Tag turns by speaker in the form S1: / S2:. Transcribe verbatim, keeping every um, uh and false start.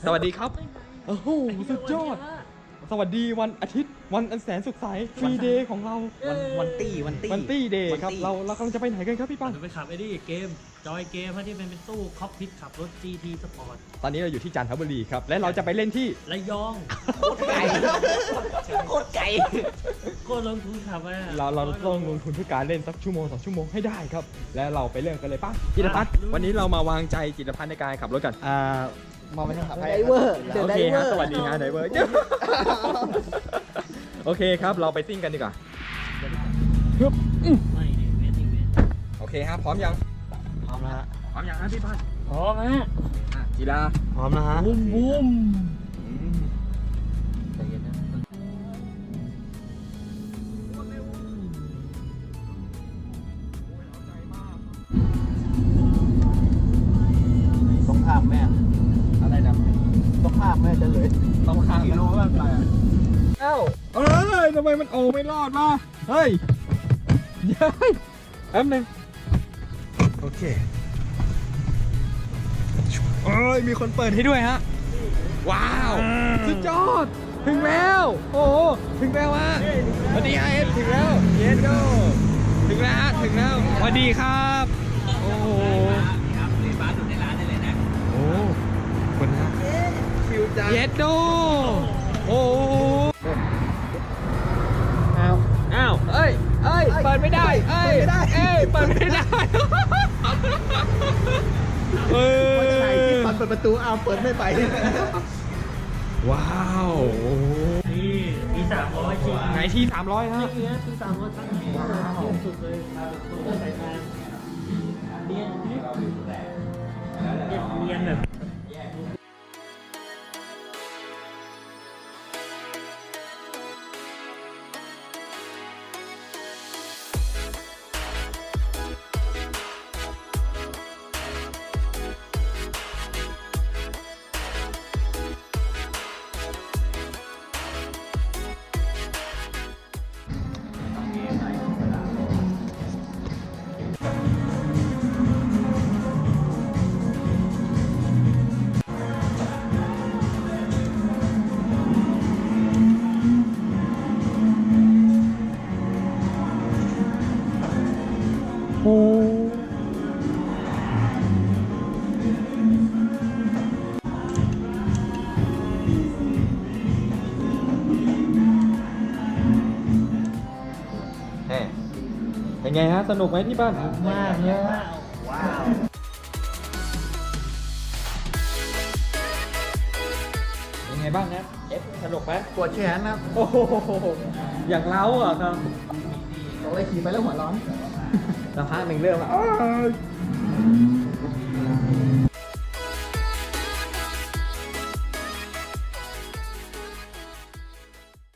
S1: สวัสดีครับโอ้โหสุดยอดสวัสดีวันอาทิตย์วันอันแสนสุขใสฟรีเดย์ของเรา
S2: วันวันตี้วันตี้
S1: วันตี้เดย์ครับเราเรากำลังจะไปไหนกันครับพี่ปั้น
S3: เราไปขับไอ้นี่เกมจอยเกมที่เป็นเป็นตู้คอกพิทขับรถ จี ที Sport
S1: ตอนนี้เราอยู่ที่จันทบุรีครับและเราจะไปเล่นที่
S3: ระยอง
S2: ไก่โคตรไก่
S3: โคตรลงทุนขับไปอะ
S1: เราเราต้องลงทุนเพื่อการเล่นสักชั่วโมงสองชั่วโมงให้ได้ครับและเราไปเริ่มกันเลยป่ะจิตรพัฒน์วันนี้เรามาวางใจจิตรพัฒน์ในการขับรถกัน
S2: อ่ามองไปทางขับไดเวอร์
S1: โอเคฮะสวัสดีฮะไดเวอร์โอเคครับเราไปซิ่งกันดีกว่า
S3: ไม่ดิเวทอีเวนต์
S1: โอเคฮะพร้อมยัง
S2: พร้อมแล้วฮะ
S1: พร้อมยังฮะพี่พัฒน์
S3: พร้อมฮะ
S1: อ่ะกีฬา
S2: พร้อมแล้วฮะ
S3: บูมบูม
S1: อืม
S2: ใจเย็นนะต้องข้ามแม่
S1: อะไรนะ
S2: ต้องข้ามแม่จะเลย
S1: ต้องข้าม
S2: กิโลแม่ไปอ่ะ
S1: เอ้าเอ้ยทำไมมันโอ้ไม่รอดมาเฮ้ยเย้ยแป๊บนึงโอเคเอ้ยมีคนเปิดให้ด้วยฮะว้าวสุดยอดถึงแล้วโอ้โหถึงแล้วฮะสวัสดีไอเอฟถึงแล้วเยนโดถึงแล้วถึงแล้วสวัสดีครับโอ้โห
S3: ครับในบ้านอยู่ในร้านได้เลยนะ
S1: โอ้คนนะ
S2: คิวจัง
S1: เยนโดโอ้โห
S2: เอา
S1: อ้าวเอ้ยเอ้ยเปิดไม่ได้เอ้ย
S2: เปิดไม่ได้
S1: เอ้ยเปิดไม่ได้เออ
S2: ว่าจะไหนที่ตอนเปิดประตูเอาเปิดไม่ไป
S1: ว้าวโอ้โห
S3: นี่มีสามร้อยจริง
S1: ไหนที่สามร้อยฮะ
S3: เนี้ยคือสามร้อยทั้งว้าวสุดเลยตัวใส่งานเนียนเนียนเนียนแบบ
S1: โอ้เฮ้เป็นไงฮะสนุกไหมที่บ้าน
S3: มากเลยฮะว้าว
S1: เป็นไงบ้างนะเอฟสนุกไหม
S2: ปวดแขนนะ
S1: โอ้โหอย่างเล้าเหรอครับ
S2: บอกเลยขี่ไปแล้วหัวร้อน
S1: สักพักหนึ่งเริ่มแล้วอ้าว